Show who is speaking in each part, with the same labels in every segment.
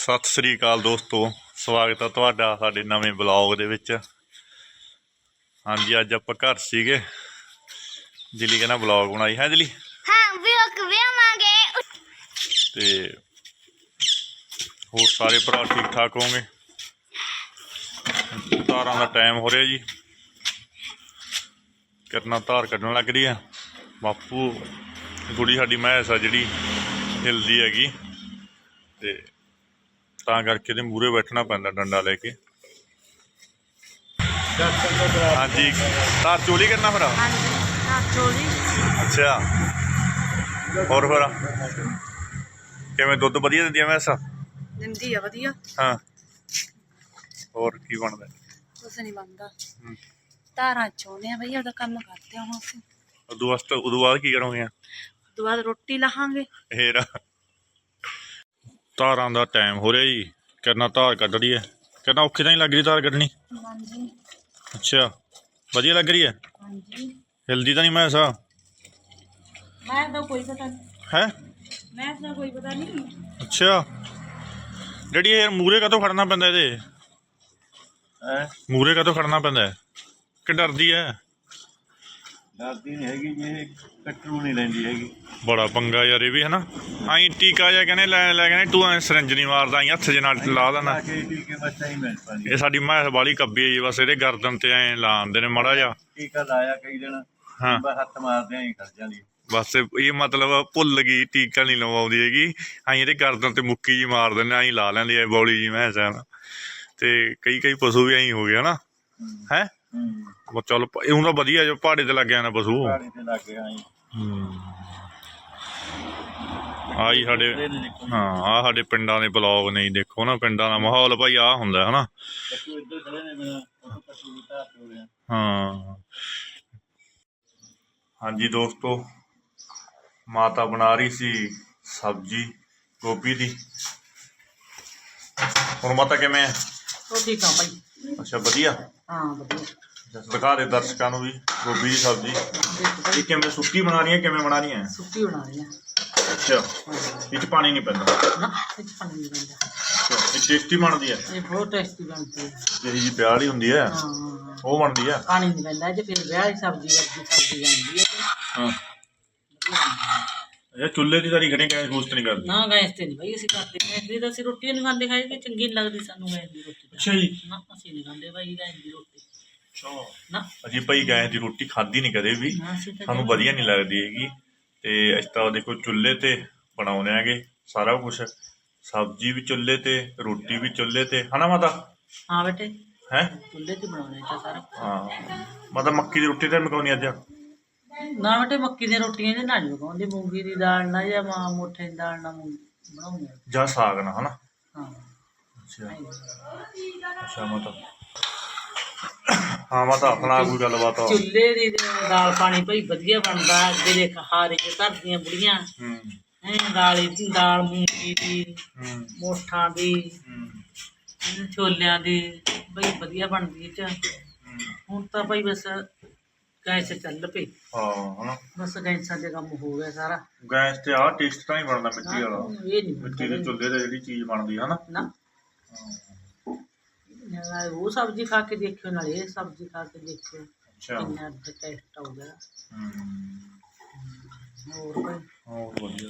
Speaker 1: ਸਤਿ ਸ੍ਰੀ ਅਕਾਲ ਦੋਸਤੋ, ਸਵਾਗਤ ਹੈ ਤੁਹਾਡਾ ਸਾਡੇ ਨਵੇਂ ਬਲੌਗ ਦੇ ਵਿੱਚ। ਹਾਂਜੀ, ਅੱਜ ਆਪਾਂ ਘਰ ਸੀਗੇ। ਦਿੱਲੀ ਕਹਿੰਦਾ ਬਲੌਗ ਬਣਾਈ ਹੈ ਦਿੱਲੀ।
Speaker 2: ਹਾਂ ਵੀ ਆਵਾਂਗੇ।
Speaker 1: ਤੇ ਹੋਰ ਸਾਰੇ ਭਰਾ ਠੀਕ ਠਾਕ ਹੋਣਗੇ। ਧਾਰਾਂ ਦਾ ਟਾਈਮ ਹੋ ਰਿਹਾ ਜੀ, ਕਿਰਨਾ ਧਾਰ ਕੱਢਣ ਲੱਗ ਰਹੀ ਆ। ਬਾਪੂ ਕੁੜੀ ਸਾਡੀ ਮੈਂਸ ਆ ਜਿਹੜੀ ਹਿਲਦੀ ਹੈਗੀ, ਤੇ ਤਾਂ ਕਰਕੇ ਇਹਦੇ ਮੂਹਰੇ ਬੈਠਣਾ ਪੈਂਦਾ ਡੰਡਾ ਲੈ ਕੇ। ਹਾਂਜੀ, ਧਾਰ ਚੋਲੀ ਕਰਨਾ ਫਿਰ। ਅੱਛਾ, ਹੋਰ ਫਿਰ ਕਿਵੇਂ ਦੁੱਧ ਵਧੀਆ ਦਿੰਦੀ ਆ ਮੈਂਸ?
Speaker 3: ਦਿੰਦੀ ਆ ਵਧੀਆ।
Speaker 1: ਹਾਂ, ਹੋਰ ਕੀ ਬਣਦਾ?
Speaker 3: ਕੁਛ ਨਹੀਂ ਬਣਦਾ, ਧਾਰਾਂ ਚੋਣੇ ਆ ਬਈ, ਉਹਦਾ ਕੰਮ ਕਰਦੇ ਹਾਂ ਅਸੀਂ।
Speaker 1: ਉਦੋਂ ਬਾਅਦ ਕੀ ਕਰੋਗੇ?
Speaker 3: ਉਦੋਂ ਬਾਅਦ ਰੋਟੀ ਲਾਹਾਂਗੇ।
Speaker 1: ਫੇਰ ਧਾਰਾਂ ਦਾ ਟਾਈਮ ਹੋ ਰਿਹਾ ਜੀ, ਕਿਰਨਾ ਧਾਰ ਕੱਢ ਰਹੀ ਹੈ। ਕਿਰਨਾ ਔਖੀ ਤਾਂ ਨਹੀਂ ਲੱਗ ਰਹੀ ਧਾਰ ਕੱਢਣੀ?
Speaker 3: ਹਾਂਜੀ।
Speaker 1: ਅੱਛਾ, ਵਧੀਆ ਲੱਗ ਰਹੀ ਹੈ।
Speaker 3: ਹਾਂਜੀ,
Speaker 1: ਹਿਲਦੀ ਤਾਂ ਨਹੀਂ ਮੈਂਸ?
Speaker 3: ਮੈਂ ਤਾਂ ਕੋਈ ਪਤਾ ਨਹੀਂ
Speaker 1: ਹੈ।
Speaker 3: ਮੈਂ ਤਾਂ ਕੋਈ ਪਤਾ ਨਹੀਂ।
Speaker 1: ਅੱਛਾ, ਜਿਹੜੀ ਇਹ ਮੂਹਰੇ ਕਾਹਤੋਂ ਖੜਨਾ ਪੈਂਦਾ ਇਹਦੇ? ਮੂਹਰੇ ਕਾਹਤੋਂ ਖੜਨਾ ਪੈਂਦਾ ਕਿ ਡਰਦੀ ਹੈ?
Speaker 4: ਡਰਦੀ ਨਹੀਂ ਹੈਗੀ ਜੀ, ਇਹ ਕੱਟਰੂ ਨਹੀਂ ਲੈਂਦੀ ਹੈਗੀ।
Speaker 1: ਬੜਾ ਪੰਗਾ ਯਾਰ ਇਹ ਵੀ, ਹੈ ਨਾ। ਆਈ ਟੀਕਾ ਜਿਹਾ ਕਹਿੰਦੇ ਲੈ ਕਹਿੰਦੇ ਤੂੰ ਸਿਰਿੰਜ ਨਹੀਂ ਮਾਰਦਾ, ਆਈ ਹੱਥ ਜੇ ਨਾਲ ਲਾ ਦੇਣਾ। ਇਹ ਸਾਡੀ ਮੈਂਸ ਵਾਲੀ ਕੱਬੀ ਹੈ ਜੀ, ਬਸ ਇਹਦੇ ਗਰਦਨ ਤੇ ਐਂ ਲਾ ਦਿੰਦੇ ਨੇ ਮਾੜਾ ਜਿਹਾ
Speaker 4: ਟੀਕਾ ਲਾਇਆ ਕਈ ਦਿਨ।
Speaker 1: ਹਾਂ,
Speaker 4: ਹੱਥ ਮਾਰਦੇ ਆਂ ਕਰ ਜਾਂਦੀ।
Speaker 1: ਬਸ ਇਹ ਮਤਲਬ ਭੁੱਲ ਗਈ, ਟੀਕਾ ਨਹੀਂ ਲਵਾਉਂਦੀ ਹੈਗੀ। ਆਈ ਇਹਦੇ ਗਰਦਨ ਤੇ ਮੁੱਕੀ ਜੀ ਮਾਰ ਦਿੰਦੇ, ਆਈ ਲਾ ਲੈਂਦੀ ਹੈ ਬੌਲੀ ਜੀ ਮੈਂਸ ਹੈ ਨਾ। ਤੇ ਕਈ ਪਸ਼ੂ ਵੀ ਐਂ ਹੋ ਗਏ ਨਾ, ਹੈ। ਚੱਲ ਇਹ ਤਾਂ ਵਧੀਆ ਜੋ ਪਹਾੜੇ ਤੇ ਲੱਗਿਆ ਨਾ ਪਸ਼ੂ। ਆਹੀ ਸਾਡੇ, ਹਾਂ ਆਹ ਸਾਡੇ ਪਿੰਡਾਂ ਦੇ ਬਲੌਗ ਨੇ, ਦੇਖੋ ਨਾ ਪਿੰਡਾਂ ਦਾ ਮਾਹੌਲ ਭਾਈ ਆਹ ਹੁੰਦਾ ਹੈ ਨਾ। ਹਾਂ ਹਾਂਜੀ ਦੋਸਤੋ, ਮਾਤਾ ਬਣਾ ਰਹੀ ਸੀ ਸਬਜ਼ੀ ਗੋਭੀ ਦੀ। ਹੁਣ ਮਾਤਾ ਕਿਵੇਂ ਹੈ?
Speaker 3: ਉਹ ਠੀਕ ਆ ਭਾਈ।
Speaker 1: ਅੱਛਾ, ਵਧੀਆ।
Speaker 3: ਹਾਂ ਵਧੀਆ।
Speaker 1: ਦਿਖਾ ਦੇ ਦਰਸ਼ਕਾਂ ਨੂੰ ਵੀ ਗੋਭੀ ਦੀ ਸਬਜ਼ੀ। ਇਹ ਕਿਵੇਂ ਸੁੱਕੀ ਬਣਾ ਰਹੀ ਹੈ, ਕਿਵੇਂ ਬਣਾ ਰਹੀ ਹੈ?
Speaker 3: ਸੁੱਕੀ ਬਣਾ ਰਹੀ ਆ।
Speaker 1: ਅੱਛਾ, ਇਹ 'ਚ ਪਾਣੀ ਨਹੀਂ ਪੈਂਦਾ
Speaker 3: ਨਾ, ਇਹ 'ਚ ਪਾਣੀ ਨਹੀਂ ਪੈਂਦਾ।
Speaker 1: ਇਹ ਟੇਸਟੀ ਬਣਦੀ ਹੈ।
Speaker 3: ਇਹ ਬਹੁਤ ਟੇਸਟੀ ਬਣਦੀ ਹੈ।
Speaker 1: ਜਿਹੜੀ ਜੀ ਵਿਆਹ ਵਾਲੀ ਹੁੰਦੀ ਹੈ
Speaker 3: ਹਾਂ,
Speaker 1: ਉਹ ਬਣਦੀ ਹੈ।
Speaker 3: ਪਾਣੀ ਨਹੀਂ ਪੈਂਦਾ ਇਹ 'ਚ, ਫਿਰ ਵਿਆਹ ਦੀ ਸਬਜ਼ੀ ਵਰਗੀ ਸਬਜ਼ੀ ਬਣਦੀ ਹੈ।
Speaker 1: ਹਾਂ, ਇਹ ਚੁੱਲ੍ਹੇ ਦੀ ਤਾਰੀ ਖੜੇ ਗੈਸ ਗੂਸਟ ਨਹੀਂ ਕਰਦੀ?
Speaker 3: ਨਾ, ਗੈਸ ਤੇ ਨਹੀਂ ਭਾਈ ਅਸੀਂ ਕਰਦੇ। ਗੈਸ ਦੀ ਤਾਂ ਅਸੀਂ ਰੋਟੀ ਨਹੀਂ ਖਾਂਦੇ, ਖਾਈ ਚੰਗੀ ਨਹੀਂ ਲੱਗਦੀ ਸਾਨੂੰ ਗੈਸ ਦੀ ਰੋਟੀ।
Speaker 1: ਅੱਛਾ ਜੀ।
Speaker 3: ਨਾ, ਅਸੀਂ ਨਹੀਂ ਖਾਂਦੇ ਭਾਈ ਗੈਸ ਦੀ ਰੋਟੀ। ਨਾ,
Speaker 1: ਅਸੀਂ ਭਾਈ ਗੈਸ ਦੀ ਰੋਟੀ ਖਾਧੀ ਨਹੀਂ ਕਦੇ ਵੀ, ਸਾਨੂੰ ਵਧੀਆ ਨਹੀਂ ਲੱਗਦੀ ਹੈਗੀ। ਤੇ ਅਸੀਂ ਤਾਂ ਦੇਖੋ ਚੁੱਲ੍ਹੇ ਤੇ ਬਣਾਉਂਦੇ ਹੈਗੇ ਸਾਰਾ ਕੁਛ, ਸਬਜ਼ੀ ਵੀ ਚੁੱਲ੍ਹੇ ਤੇ, ਰੋਟੀ ਵੀ ਚੁੱਲ੍ਹੇ ਤੇ, ਹਨਾ ਮਾਤਾ?
Speaker 3: ਹਾਂ ਬੇਟੇ,
Speaker 1: ਹੈ
Speaker 3: ਚੁੱਲ੍ਹੇ ਤੇ ਬਣਾਉਣੇ ਤਾਂ ਸਾਰਾ।
Speaker 1: ਹਾਂ, ਮਾਤਾ ਮੱਕੀ ਦੀ ਰੋਟੀ ਤਾਂ ਮਕਾਉਣੀ ਅੱਜ?
Speaker 3: ਨਾ ਬੇਟੇ, ਮੱਕੀ ਦੀਆਂ ਰੋਟੀਆਂ ਇਹਦੇ ਨਾਲ ਨਹੀਂ ਪਕਾਉਂਦੇ, ਮੂੰਗੀ ਦੀ ਦਾਲ ਨਾਲ ਜਾਂ ਮੋਠੇ ਦੀ ਦਾਲ ਨਾਲ ਬਣਾਉਂਦੇ
Speaker 1: ਜਾਂ ਸਾਗ ਨਾਲ, ਹਨਾ?
Speaker 3: ਹਾਂ।
Speaker 1: ਅੱਛਾ ਅੱਛਾ ਮਾਤਾ। ਹਾਂ ਮਾਤਾ, ਆਪਣਾ ਕੋਈ ਗੱਲਬਾਤ?
Speaker 3: ਚੁੱਲ੍ਹੇ ਦੀ ਦਾਲ ਪਾਣੀ ਭਾਈ ਵਧੀਆ ਬਣਦਾ। ਜਿਹੜੇ ਹਾਰੇ ਚ ਧਰਦੀਆਂ ਬੁੜੀਆਂ, ਦਾਲ ਮੂੰਗੀ ਦੀ, ਮੋਠਾਂ ਦੀ, ਛੋਲਿਆਂ ਦੀ ਬਈ ਵਧੀਆ ਬਣਦੀ ਇਹ 'ਚ। ਹੁਣ ਤਾਂ ਭਾਈ ਬਸ ਗੈਸ ਚੱਲ ਪਈ।
Speaker 1: ਹਾਂ, ਹਨਾ,
Speaker 3: ਬਸ ਗੈਸਾਂ 'ਤੇ ਕੰਮ ਹੋ ਗਿਆ ਸਾਰਾ।
Speaker 1: ਗੈਸ ਤੇ ਆਹ ਟੇਸਟ ਤਾਂ ਨਹੀਂ ਬਣਦਾ ਮਿੱਟੀ ਵਾਲਾ।
Speaker 3: ਇਹ ਨਹੀਂ
Speaker 1: ਮਿੱਟੀ ਦੇ ਚੁੱਲ੍ਹੇ ਤੇ ਜਿਹੜੀ ਚੀਜ਼ ਬਣਦੀ ਹੈ ਨਾ।
Speaker 3: ਨਾ, ਉਹ ਸਬਜ਼ੀ ਖਾ ਕੇ ਦੇਖਿਓ, ਨਾਲੇ ਇਹ ਸਬਜ਼ੀ ਖਾ ਕੇ ਦੇਖਿਓ, ਕਿੰਨਾ ਟੇਸਟ ਆਊਗਾ। ਹੋਰ ਭਾਈ?
Speaker 1: ਹੋਰ ਵਧੀਆ।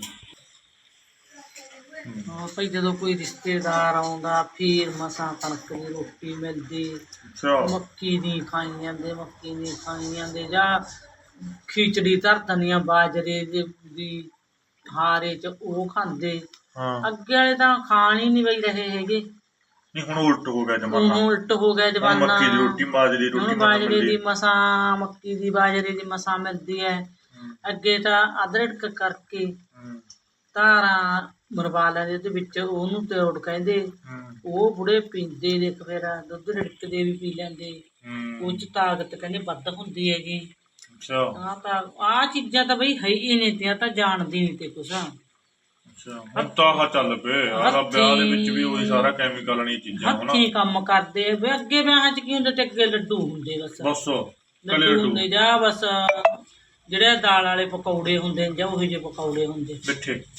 Speaker 3: ਹਾਂ ਭਾਈ, ਜਦੋਂ ਕੋਈ ਰਿਸ਼ਤੇਦਾਰ ਆਉਂਦਾ ਫਿਰ ਮਸਾਂ ਕਣਕ ਦੀ ਰੋਟੀ ਮਿਲਦੀ। ਮੱਕੀ ਦੀ ਖਾਈ ਜਾਂਦੇ, ਮੱਕੀ ਦੀ ਖਾਈ ਜਾਂਦੇ, ਜਾਂ ਖਿਚੜੀ ਧਰ ਦਿੰਦੀਆਂ ਬਾਜਰੇ ਦੀ ਹਾਰੇ 'ਚ, ਉਹ ਖਾਂਦੇ। ਅੱਗੇ ਵਾਲੇ ਤਾਂ ਖਾਣ ਹੀ ਨਹੀਂ ਬਈ ਰਹੇ ਹੈਗੇ।
Speaker 1: ਨਹੀਂ, ਹੁਣ ਉਲਟ ਹੋ ਗਿਆ ਜ਼ਮਾਨਾ।
Speaker 3: ਉਲਟ ਹੋ ਗਿਆ ਜ਼ਮਾਨਾ।
Speaker 1: ਮੱਕੀ ਦੀ ਰੋਟੀ, ਬਾਜਰੇ ਦੀ ਰੋਟੀ,
Speaker 3: ਬਾਜਰੇ ਦੀ ਮਸਾਂ, ਮੱਕੀ ਦੀ ਬਾਜਰੇ ਦੀ ਮਸਾਂ ਮਿਲਦੀ ਹੈ। ਅੱਗੇ ਤਾਂ ਅਦਰਕ ਕਰਕੇ ਧਾਰਾਂ ਮਰਵਾ ਲੈਂਦੇ, ਉਹਦੇ ਵਿੱਚ ਉਹਨੂੰ ਤਿਉੜ ਕਹਿੰਦੇ, ਉਹ ਬੁੜੇ ਪੀਂਦੇ। ਦੇਖ ਫਿਰ ਦੁੱਧ ਰਿੜਕਦੇ ਵੀ ਪੀ ਲੈਂਦੇ, ਉਹ 'ਚ ਤਾਕਤ ਕਹਿੰਦੇ ਵੱਧ ਹੁੰਦੀ ਹੈਗੀ। ਆਹ ਚੀਜ਼ਾਂ ਤਾਂ ਬਈ ਹੈ ਹੀ ਨਹੀਂ ਤੀਆਂ, ਤਾਂ ਜਾਣਦੀ ਨਹੀਂ ਤੇ ਕੁਛ।
Speaker 1: ਹੁਣ ਤਾਂ ਆਹ ਚੱਲ ਪਏ, ਆਹ ਵਿਆਹ ਦੇ ਵਿੱਚ ਵੀ ਉਹੀ ਸਾਰਾ ਕੈਮੀਕਲ ਵਾਲੀਆਂ ਚੀਜ਼ਾਂ।
Speaker 3: ਹੱਥੀਂ ਕੰਮ ਕਰਦੇ ਆ। ਅੱਗੇ ਵਿਆਹਾਂ 'ਚ ਕੀ ਹੁੰਦਾ ਤੇ ਅੱਗੇ ਲੱਡੂ ਹੁੰਦੇ, ਬਸ ਲੱਡੂ ਹੁੰਦੇ, ਜਾਂ ਬਸ ਜਿਹੜੇ ਦਾਲ ਵਾਲੇ ਪਕੌੜੇ ਹੁੰਦੇ ਜਾਂ ਉਹੋ ਜਿਹੇ ਪਕੌੜੇ ਹੁੰਦੇ।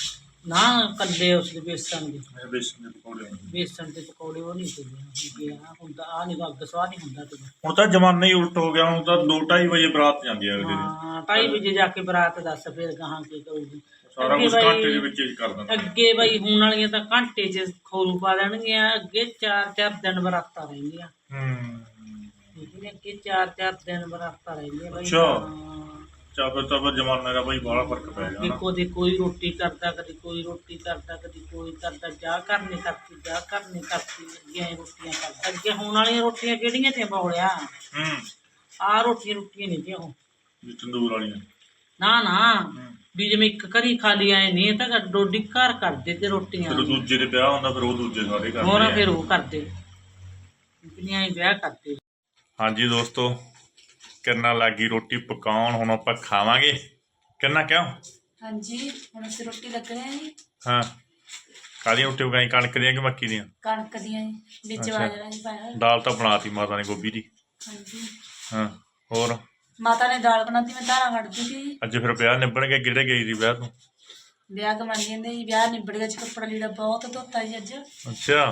Speaker 3: ਨਾ ਕੱਲੇ ਉਸ ਦੇ ਬੇਸਣ ਦੇ
Speaker 1: ਬੇਸਨ ਦੇ ਪਕੌੜੇ
Speaker 3: ਬੇਸਣ ਦੇ ਪਕੌੜੇ ਉਹ ਨਹੀਂ ਹੁੰਦੇ ਆ ਹੁੰਦਾ ਆ ਨਹੀਂ ਅੱਗ ਸਵਾਹ ਨਹੀਂ ਹੁੰਦਾ ਤੇ
Speaker 1: ਹੁਣ ਤਾਂ ਜ਼ਮਾਨਾ ਹੀ ਉਲਟ ਹੋ ਗਿਆ ਹੁਣ ਤਾਂ 2:30 ਵਜੇ ਬਰਾਤ ਜਾਂਦੀ ਹੈ ਅਗਲੇ ਦਿਨ
Speaker 3: ਹਾਂ 2:30 ਵਜੇ ਜਾ ਕੇ ਬਰਾਤ ਦੱਸ ਫਿਰ ਗਾਹਾਂ ਕੀ ਕਰੂਗੀ
Speaker 1: ਸਾਰਾ
Speaker 3: ਅੱਗੇ
Speaker 1: ਕੁਝ
Speaker 3: ਬਾਈ-
Speaker 1: ਘੰਟੇ ਦੇ ਵਿੱਚ ਹੀ ਕਰ ਦਿੰਦੇ
Speaker 3: ਅੱਗੇ ਬਈ ਹੁਣ ਵਾਲੀਆਂ ਤਾਂ ਘੰਟੇ 'ਚ ਖੋਰੂ ਪਾ ਦੇਣਗੀਆਂ ਅੱਗੇ 4-4 ਦਿਨ ਬਰਾਤਾਂ ਰਹਿੰਦੀਆਂ ਲੇਕਿਨ ਅੱਗੇ 4-4 ਦਿਨ ਬਰਾਤਾਂ ਰਹਿੰਦੀਆਂ ਬਈ
Speaker 1: ਅੱਛਾ।
Speaker 3: ਹਾਂ।
Speaker 1: ਚਾਬਰ ਤਾਂ ਜ਼ਮਾਨੇ ਦਾ ਬਾਈ ਬੜਾ ਫਰਕ ਪੈ ਗਿਆ
Speaker 3: ਵੀ
Speaker 1: ਨਾ
Speaker 3: ਕਦੇ ਕੋਈ ਰੋਟੀ ਕਰਦਾ ਕਦੇ ਕੋਈ ਰੋਟੀ ਕਰਦਾ ਕਦੇ ਕੋਈ ਕਰਦਾ ਜਾ ਕਰਨੇ ਕਰਤੀ ਜਾ ਕਰਨੇ ਕਰਤੀ ਅੱਗੇ ਐਂ ਰੋਟੀਆਂ ਕਰਦਾ ਅੱਗੇ ਹੁਣ ਵਾਲੀਆਂ ਰੋਟੀਆਂ ਕਿਹੜੀਆਂ ਤੇ ਬੋਲਿਆ ਆ ਰੋਟੀਆਂ ਨਹੀਂ ਤੇ ਉਹ
Speaker 1: ਵੀ ਤੰਦੂਰ ਵਾਲੀਆਂ
Speaker 3: ਨਾ ਵੀ ਜਿਵੇਂ ਇੱਕ ਘਰੀ ਖਾਲੀ ਆਏ ਨਹੀਂ ਇਹ ਤਾਂ ਡੋਡੀ ਘਰ ਕਰਦੇ ਤੇ ਰੋਟੀਆਂ
Speaker 1: ਫਿਰ ਦੂਜੇ ਦੇ ਵਿਆਹ ਹੁੰਦਾ ਫਿਰ ਉਹ ਦੂਜੇ ਸਾਰੇ ਕਰਦੇ
Speaker 3: ਹੋਰ
Speaker 1: ਆ।
Speaker 3: ਫਿਰ ਉਹ ਕਰਦੇ ਕਿੰਨੀਆਂ ਹੀ ਵਿਆਹ ਕਰਦੇ
Speaker 1: ਹਾਂਜੀ ਦੋਸਤੋ ਕਿੰਨਾ ਲੱਗੀ ਰੋਟੀ ਪਕਾਉਣ ਹੁਣ ਆਪਾਂ ਖਾਵਾਂਗੇ ਕਿੰਨਾ ਕਿਉਂ
Speaker 5: ਹਾਂਜੀ ਹੁਣ ਅਸੀਂ ਰੋਟੀ ਲੱਗਣੇ ਆ ਜੀ
Speaker 1: ਹਾਂ ਕਾਹਦੀਆਂ ਰੋਟੀ ਪਕਾਈ ਕਣਕ ਦੀਆਂ ਕਿ ਮੱਕੀ ਦੀਆਂ
Speaker 5: ਕਣਕ ਦੀਆਂ ਜੀ ਵਿੱਚ
Speaker 1: ਅੱਛਾ।
Speaker 5: ਬਾਜਰਾ ਜੀ ਪਾਇਆ ਹੋਇਆ।
Speaker 1: ਦਾਲ ਤਾਂ ਬਣਾਤੀ ਮਾਤਾ ਨੇ ਗੋਭੀ ਦੀ
Speaker 5: ਹਾਂਜੀ
Speaker 1: ਹਾਂ ਹੋਰ
Speaker 5: ਮਾਤਾ ਨੇ ਦਾਲ ਬਣਾਤੀ ਮੈਂ ਧਾਰਾਂ ਕੱਢਦੀ ਸੀ
Speaker 1: ਅੱਜ ਫਿਰ ਵਿਆਹ ਨਿਬੜ ਗਿਆ ਕਿਹੜੇ ਗਈ ਸੀ ਵਿਆਹ ਤੋਂ
Speaker 5: ਵਿਆਹ ਕਮਾਈ ਜਾਂਦੇ ਜੀ ਵਿਆਹ ਨਿਬੜ ਗਿਆ ਜੀ ਕੱਪੜਾ ਲੀੜਾ ਬਹੁਤ ਧੋਤਾ ਜੀ ਅੱਜ
Speaker 1: ਅੱਛਾ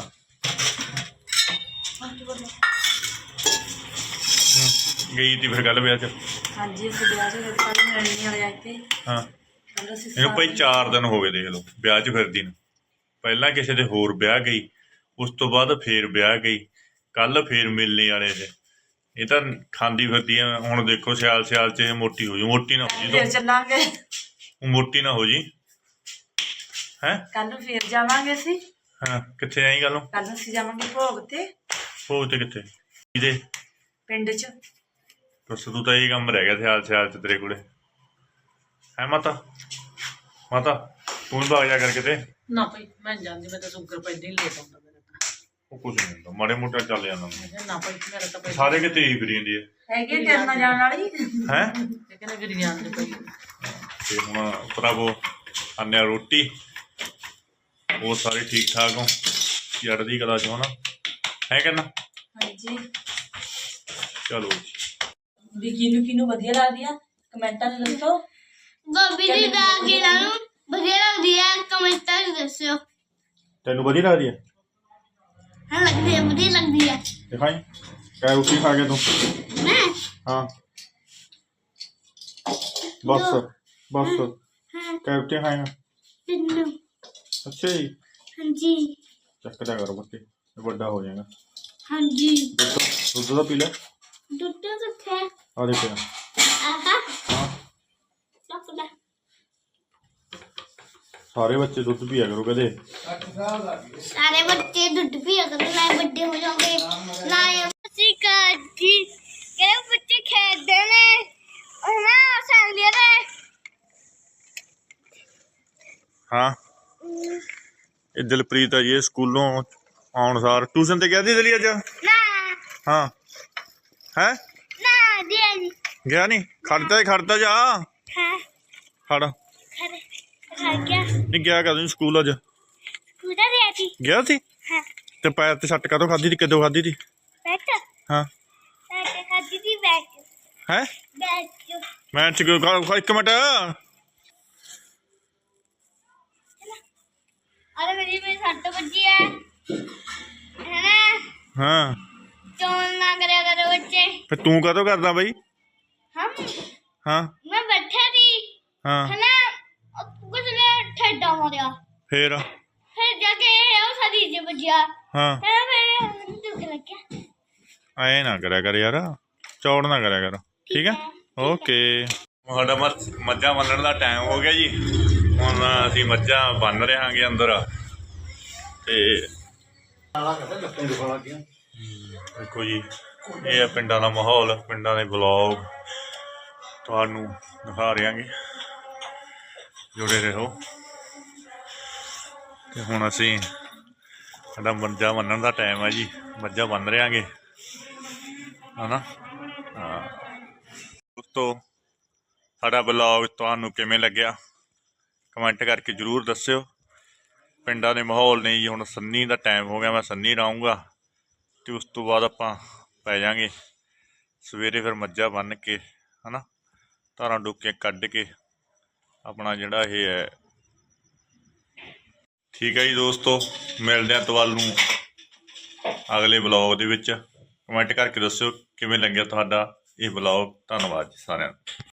Speaker 1: ਗਈ ਤੀ ਫਿਰ ਗੱਲ ਵਿਆਹ ਚ
Speaker 5: ਹਾਂਜੀ ਅਸੀਂ ਵਿਆਹ 'ਚ ਗਏ ਕੱਲ੍ਹ ਮਿਲਣੀ ਵਾਲੇ ਆਏ ਤੇ
Speaker 1: ਹਾਂ
Speaker 5: ਕੱਲ੍ਹ ਅਸੀਂ
Speaker 1: ਇਹਨੂੰ ਭਾਈ 4 ਦਿਨ ਹੋ ਗਏ ਦੇਖ ਲਓ ਵਿਆਹ 'ਚ ਫਿਰਦੀ ਨੂੰ ਪਹਿਲਾਂ ਕਿਸੇ ਦੇ ਹੋਰ ਵਿਆਹ ਗਈ ਉਸ ਤੋਂ ਬਾਅਦ ਫੇਰ ਵਿਆਹ ਗਈ ਕੱਲ ਫੇਰ ਮਿਲਣੇ ਵਾਲੇ ਤੇ ਇਹ ਤਾਂ ਖਾਂਦੀ ਫਿਰਦੀ ਆ ਹੁਣ ਦੇਖੋ ਸਿਆਲ ਚ ਇਹ ਮੋਟੀ ਹੋ ਜੂ ਮੋਟੀ ਨਾ ਹੋ ਜੀ
Speaker 5: ਫਿਰ ਚੱਲਾਂਗੇ
Speaker 1: ਤੂੰ ਮੋਟੀ ਨਾ ਹੋ ਜੀ ਹੈ
Speaker 5: ਕੱਲ੍ਹ ਨੂੰ ਫੇਰ ਜਾਵਾਂਗੇ ਅਸੀਂ
Speaker 1: ਹਾਂ ਕਿੱਥੇ ਆਈ ਗੱਲ ਨੂੰ
Speaker 5: ਕੱਲ੍ਹ ਨੂੰ ਅਸੀਂ ਜਾਵਾਂਗੇ ਭੋਗ ਤੇ
Speaker 1: ਭੋਗ ਤੇ ਕਿੱਥੇ ਕਿਹਦੇ
Speaker 5: ਪਿੰਡ 'ਚ
Speaker 1: ਬਸ ਤੂੰ ਤਾਂ ਇਹ ਕੰਮ ਰਹਿ ਗਿਆ ਸਿਆਲ ਚ ਤੇਰੇ ਕੋਲੇ ਹੈ ਮਾਤਾ ਤੂੰ ਭਾਗ ਜਾ ਕਰ ਕਿਤੇ
Speaker 3: ਨਾ ਭਾਈ ਮੈਂ ਨੀ ਜਾਂਦੀ ਮੈਂ ਤਾਂ ਸ਼ੂਗਰ ਪੈਂਦੀ ਹੀ ਲੇਟ ਆਉਂਦਾ ਮੇਰਾ ਤਾਂ
Speaker 1: ਉਹ ਕੁਝ ਨਹੀਂ ਹੁੰਦਾ ਮਾੜੇ ਮੋਟਾ ਚੱਲ ਜਾਂਦਾ
Speaker 3: ਮੈਂ ਕਿਹਾ ਨਾ ਭਾਈ ਮੇਰਾ ਤਾਂ ਪਹਿਲਾਂ
Speaker 1: ਸਾਰੇ ਕਿਤੇ ਹੀ ਫਿਰੀ ਜਾਂਦੀ ਹੈ
Speaker 5: ਹੈਗੇ ਤੇਰੇ ਨਾਲ ਜਾਣ ਵਾਲੀ
Speaker 1: ਹੈ
Speaker 3: ਇਹ ਕਹਿੰਦੇ ਫਿਰ ਜਾਂਦੇ ਭਾਈ
Speaker 1: ਤੇ ਹੁਣ ਭਰਾਵੋ ਆਨਿਆ ਰੋਟੀ ਉਹ ਸਾਰੇ ਠੀਕ ਠਾਕ ਹੋ ਚੜ੍ਹਦੀ ਕਲਾ ਚੋਂ ਨਾ ਹੈ ਕਹਿੰਦਾ
Speaker 5: ਹਾਂਜੀ
Speaker 1: ਚਲੋ
Speaker 5: ਵੀ ਕਿਹਨੂੰ ਵਧੀਆ ਲੱਗਦੀ ਆ ਕਮੈਂਟਾਂ 'ਚ ਦੱਸੋ
Speaker 2: ਗੋਭੀ ਦੀ ਦਾਲ ਕਿਹਨਾਂ ਨੂੰ ਵਧੀਆ ਲੱਗਦੀ ਹੈ ਕਮੈਂਟਾਂ 'ਚ ਦੱਸਿਓ
Speaker 1: ਤੈਨੂੰ ਵਧੀਆ ਲੱਗਦੀ ਹੈ
Speaker 2: ਹਾਂ ਲੱਗਦੀ ਹੈ ਵਧੀਆ ਲੱਗਦੀ ਹੈ
Speaker 1: ਦਿਖਾਈ ਕਿਆ ਰੋਟੀ ਖਾ ਕੇ ਤੂੰ
Speaker 2: ਮੈਂ
Speaker 1: ਹਾਂ ਬਸ
Speaker 2: ਹਾਂ
Speaker 1: ਕਿਆ ਰੋਟੀ ਖਾਏਗਾ
Speaker 2: ਤਿੰਨੋਂ
Speaker 1: ਅੱਛਾ ਜੀ
Speaker 2: ਹਾਂਜੀ
Speaker 1: ਚੱਕਦਾ ਕਰੋ ਬੱਤੇ ਵੱਡਾ ਹੋ ਜਾਏਗਾ
Speaker 2: ਹਾਂਜੀ
Speaker 1: ਦੁੱਧ ਦਾ ਪੀ ਲੈ
Speaker 2: ਦੁੱਧ ਕਿੱਥੇ
Speaker 1: ਆ ਦੇ ਪਿਆ
Speaker 2: ਆਹਾ
Speaker 1: ਹਾਂ
Speaker 2: ਚੱਕਦਾ
Speaker 1: ਸਾਰੇ ਬੱਚੇ ਦੁੱਧ ਪੀਆ ਕਰੋ ਕਦੇ
Speaker 2: ਸਾਰੇ ਬੱਚੇ ਦੁੱਧ ਪੀਆ ਕਰਦੇ ਨਾ ਵੱਡੇ ਹੋ ਜਾਓਗੇ ਨਾ ਅਸੀਂ ਕਾਜੀ ਕਿਹੜੇ ਬੱਚੇ ਖੇਡਦੇ ਨੇ ਉਹ ਨਾ ਸੰਗਲੀਆਂ ਨੇ
Speaker 1: ਹਾਂ ਇਹ ਦਿਲਪ੍ਰੀਤ ਆ ਜੀ ਇਹ ਸਕੂਲੋਂ ਆਉਣ ਸਾਰ ਟਿਊਸ਼ਨ ਤੇ ਗਿਆ ਸੀ ਦਲੀ ਅੱਜ
Speaker 2: ਨਾ
Speaker 1: ਹਾਂ ਹੈ
Speaker 2: ਨਾ ਦਿਆ ਜੀ
Speaker 1: ਗਿਆ ਨਹੀਂ ਖੜਦਾ ਜਾ
Speaker 2: ਹਾਂ
Speaker 1: ਖੜ
Speaker 2: ਖਰੇ ਖਾ ਗਿਆ
Speaker 1: ਨਹੀਂ ਗਿਆ ਕਦੋਂ ਸਕੂਲ ਅੱਜ
Speaker 2: ਕੁਦਾ ਦਿਆ ਸੀ
Speaker 1: ਗਿਆ ਸੀ
Speaker 2: ਹਾਂ
Speaker 1: ਤੇ ਪੈਰ ਤੇ ਸੱਟ ਕਾਹਤੋਂ ਖਾਧੀ ਤੀ ਕਦੋਂ ਖਾਧੀ ਤੀ
Speaker 2: ਬੈਠ
Speaker 1: ਹਾਂ
Speaker 2: ਬੈਠ ਖਾਦੀ ਦੀ ਬੈਠ
Speaker 1: ਹੈ
Speaker 2: ਬੈਠ
Speaker 1: ਮੈਂ ਚ ਇੱਕ ਮਿੰਟ
Speaker 2: अरे मेरी में सट बजी है ना
Speaker 1: ਹਾਂ
Speaker 2: चोन ना करे अगर बच्चे
Speaker 1: ਫਿਰ ਤੂੰ ਕਾਹਤੋਂ ਕਰਦਾ ਬਈ
Speaker 2: हम
Speaker 1: ਹਾਂ
Speaker 2: मैं बैठे थी
Speaker 1: ਹਾਂ
Speaker 2: है ना कुछ ने ठेडा मारा
Speaker 1: ਫੇਰ
Speaker 2: फिर जाके वो सदी से बजिया
Speaker 1: ਹਾਂ
Speaker 2: है मेरे दुख लग गया
Speaker 1: ਐ ਨਾ ਕਰਿਆ ਕਰ ਯਾਰ ਚੌੜ ਨਾ ਕਰਿਆ ਕਰ ਠੀਕ ਹੈ ਓਕੇ ਸਾਡਾ ਮੱਝਾਂ ਬੰਨਣ ਦਾ ਟਾਈਮ ਹੋ ਗਿਆ ਜੀ ਹੁਣ ਅਸੀਂ ਮੱਝਾਂ ਬੰਨ ਰਹਾਂਗੇ ਅੰਦਰ ਤੇ ਦੇਖੋ ਜੀ ਇਹ ਹੈ ਪਿੰਡਾਂ ਦਾ ਮਾਹੌਲ ਪਿੰਡਾਂ ਦੇ ਵਲੌਗ ਤੁਹਾਨੂੰ ਦਿਖਾ ਰਹਾਂਗੇ ਜੁੜੇ ਰਹੋ ਤੇ ਹੁਣ ਅਸੀਂ ਸਾਡਾ ਮੱਝਾਂ ਬੰਨਣ ਦਾ ਟਾਈਮ ਹੈ ਜੀ ਮੱਝਾਂ ਬੰਨ ਰਹਾਂਗੇ ਹਨਾ ਹਾਂ ਦੋਸਤੋ ਸਾਡਾ ਵਲੌਗ ਤੁਹਾਨੂੰ ਕਿਵੇਂ ਲੱਗਿਆ ਕਮੈਂਟ ਕਰਕੇ ਜ਼ਰੂਰ ਦੱਸਿਓ ਪਿੰਡਾਂ ਦੇ ਮਾਹੌਲ ਨੇ ਜੀ ਹੁਣ ਸੰਨੀ ਦਾ ਟਾਈਮ ਹੋ ਗਿਆ ਮੈਂ ਸੰਨੀ ਰਹੂੰਗਾ ਅਤੇ ਉਸ ਤੋਂ ਬਾਅਦ ਆਪਾਂ ਪੈ ਜਾਵਾਂਗੇ ਸਵੇਰੇ ਫਿਰ ਮੱਝਾਂ ਬੰਨ੍ਹ ਕੇ ਹੈ ਨਾ ਧਾਰਾਂ ਡੁੱਕੀਆਂ ਕੱਢ ਕੇ ਆਪਣਾ ਜਿਹੜਾ ਇਹ ਹੈ ਠੀਕ ਹੈ ਜੀ ਦੋਸਤੋ, ਮਿਲਦੇ ਹਾਂ ਤੁਹਾਨੂੰ ਅਗਲੇ ਬਲੌਗ ਦੇ ਵਿੱਚ। ਕਮੈਂਟ ਕਰਕੇ ਦੱਸਿਓ ਕਿਵੇਂ ਲੱਗਿਆ ਤੁਹਾਡਾ ਇਹ ਬਲੌਗ। ਧੰਨਵਾਦ ਜੀ ਸਾਰਿਆਂ ਦਾ।